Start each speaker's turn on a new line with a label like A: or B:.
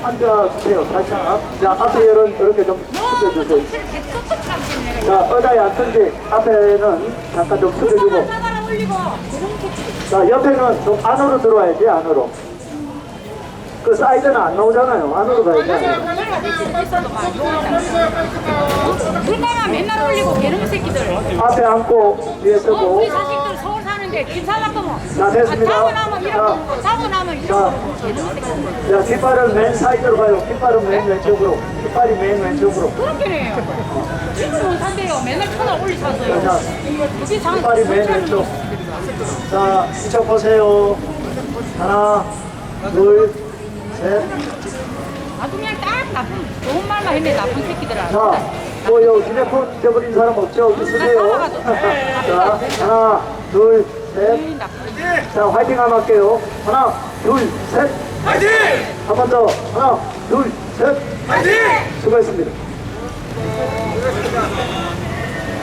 A: 앉아주세요. 살짝. 자, 앞에 열은 이렇게 좀 숙여주세요. 자, 의자에 앉든지 앞에는 잠깐 좀 숙여주고. 자, 옆에는 좀 안으로 들어와야지, 안으로. 그 사이드는 안 나오잖아요. 안으로 가야지.
B: 물가가 맨날 올리고 개놈 새끼들.
A: 앞에 앉고 위에 서고.
B: 우리 자식들 서울 사는데 길 살라거면.
A: 자, 됐습니다.
B: 자고 나면 이러고 자고 나면 이러고 개놈 새끼들.
A: 자, 깃발은 맨 사이드로 가요. 깃발은 맨 왼쪽으로. 깃발이 맨 왼쪽으로.
B: 그렇게 해요. 지금 못 산대요. 맨날 천원 올리셨어요.
A: 자,
B: 그게 장.
A: 깃발이 맨 왼쪽. 자, 이쪽 보세요. 하나, 둘, 셋.
B: 아주 그냥 딱 나쁜 좋은 말만 했네 나쁜 새끼들아.
A: 자, 뭐 여기 휴대폰 잊어버린 사람 없죠? 있으세요? 자, 하나, 둘, 셋. 자, 화이팅 한번 할게요. 하나, 둘, 셋.
C: 화이팅!
A: 한 번 더. 하나, 둘, 셋.
C: 화이팅!
A: 수고했습니다.
C: 수고하셨습니다.